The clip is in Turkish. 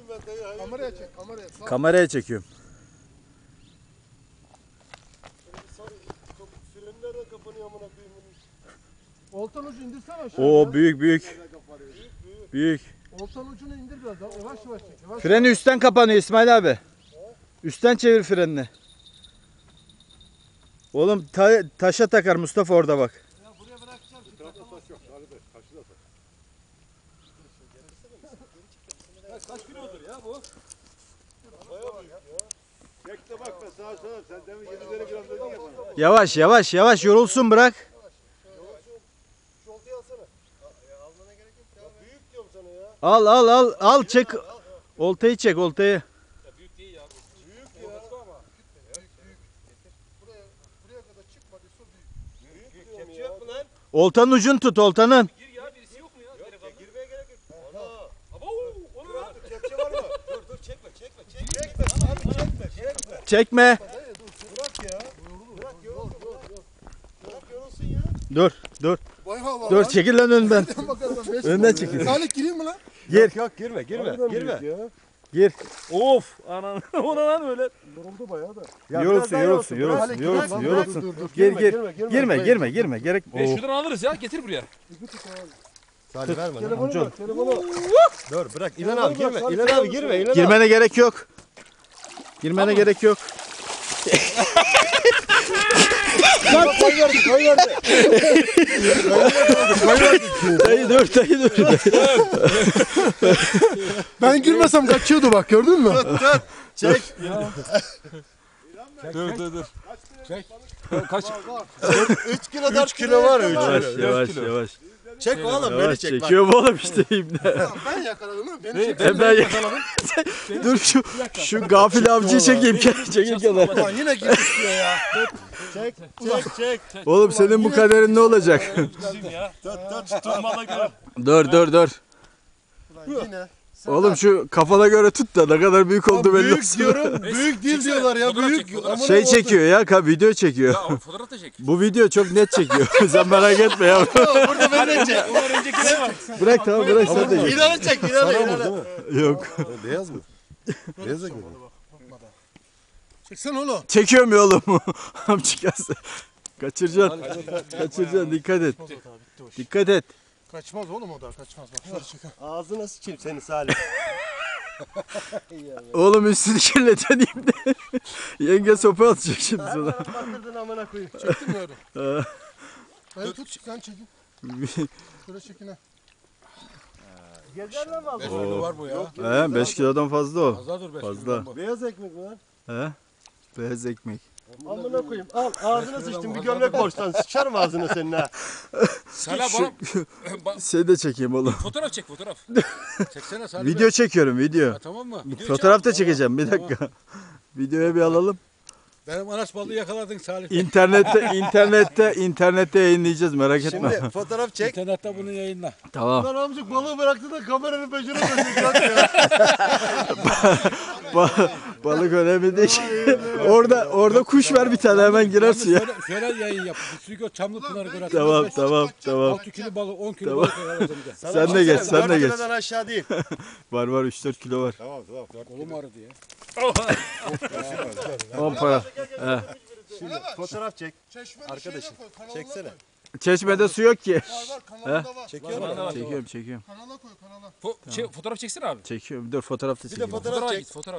ben dayı. Hayır. Kameraya çek, kameraya. Kameraya çekiyorum. Frenler de kapanıyor amına koyayım. Oltan ucu indirsene aşağıya. Oo büyük büyük. Büyük. Oltan ucunu indir biraz daha. Yavaş yavaş çek. Yavaş. Freni üstten kapanıyor İsmail abi. Üstten çevir frenini. Oğlum taşa takar Mustafa orada bak. Ya buraya bırakacağım. Kaç kilodur ya bu? Bayağı büyük ya. Bekle bak ben sağa sola. Sen demin 7'leri gram dedin ya bana. Yavaş yavaş yavaş yorulsun bırak. Şu oltayı alsana. Almana gerek yok ya. Büyük diyorum sana ya. Al çek. Oltayı çek oltayı. Ya büyük değil ya. Büyük ya. Buraya kadar çıkmadı. Su büyük. Büyük diyorum ya. Yok mu lan? Oltanın ucunu tut oltanın. Gir ya birisi yok mu ya? Yok ya Girmeye gerek yok. Ana. Abo onu ver. Kepçe var mı? dur çekme. Çekme abi çekme. Çekme. Bırak ya. Bırak yorulsun. Bırak yorulsun ya. Dur. Bayağı var Dur lan. çekil lan önden. Bakalım, beş Önden mi? çekil. Salih gireyim mi lan? Gir. Yok girme. Harbiden büyük ya. Gir. Of anan ona lan öyle. Yoruldu bayağı da. Yorulsun. Girme. Gerek. Ve şuradan alırız ya getir buraya. Salih verme. Telefonu ver. Telefonu. Dur bırak. İlan abi girme. İlan abi girme. İlan abi. Girmene gerek yok. Girmene gerek yok. Koy verdi. Dayı dur. Ben girmesem kaçıyordu bak, gördün mü? Çek. Dur. Çek. Kaç? 3 kilo 4 kilo var 3 Yavaş. Çek oğlum beni Yavaş çek bak. çekiyorum oğlum işte ibne. Ben yakaladım değil mi? Beni çek. Ben yakaladım. Dur şu gafil avcıyı çekeyim. Çekil kenara. Ulan yine girmiş diyor ya. Çek. Oğlum senin bu kaderin ne olacak? Bizim ya. Tut. Durmana göre. Dur. Ulan yine. Oğlum şu kafana göre tut da ne kadar büyük oldu belli Büyük olsun. diyorum. Büyük değil diyorlar ya. Fotoğraf Büyük. çek, fotoğraf. Amına Şey koyayım. çekiyor ya video çekiyor. Ya fotoğraf da çek. Bu video çok net çekiyor. Sen merak etme ya. Burada beni de çek. Ondan öncekine bak. Bırak sen de git. İlanı çek. İlanı. Yok. Beyaz mı? Beyaz da görüyor. Çeksen oğlum. Çekiyorum ya oğlum. Amcık yazdı. Kaçıracaksın dikkat et. Kaçmaz oğlum o da, kaçmaz. Bak şöyle çek. Ağzına sıçayım seni Salih. Oğlum üstünü kirleteyim de. Yenge sopa atacak şimdi sana. Batırdın amına koyayım. Çektin mi öyle? Dayı tut, sen çekin. Şöyle çekin ha. Gezer lan mı? 5 kilo var bu ya. He 5 kilodan fazla o. Fazla dur 5 Fazla. kilo bu. Beyaz ekmek mi lan? He? Beyaz ekmek. Amına koyayım. Al ağzına sıçtım bir gömlek borçtan. Sıçarım ağzına senin ha. Salih bana Şey de çekeyim oğlum. fotoğraf çek fotoğraf. Çeksene Salih. Video çekiyorum video. Ha, tamam mı? Video Fotoğraf da çek. çekeceğim bir dakika. Videoya bir alalım. Benim anaç balığı yakaladın Salih. İnternette yayınlayacağız merak etme. Şimdi fotoğraf çek. İnternette bunu yayınla. Tamam. Lan amcık balığı bıraktı da kameranın peşine dönecek ya. Balık önemli değil. orada kuş ver bir tane hemen girer suya. Şöyle yayın yap. Çünkü Çamlıpınar'ı göre. Tamam. 6 kilo balık 10 kilo balık yakaladın. Sen de geç, sen de geç. 4 kilodan aşağı değil. Var 3-4 kilo var. Tamam. Kolum ağrıdı ya. 10 para. Şimdi fotoğraf çek. Çeşmenin Arkadaşım, şeyine koy, kanalına çeksene. koy. Çeşmede su yok ki. Var kanalında var. Çekiyor musun? Çekiyorum. Kanala koy, kanala. Fotoğraf çeksene abi. Çekiyorum. Dur fotoğraf da Bir de çekeyim. fotoğraf çek. Fotoğraf.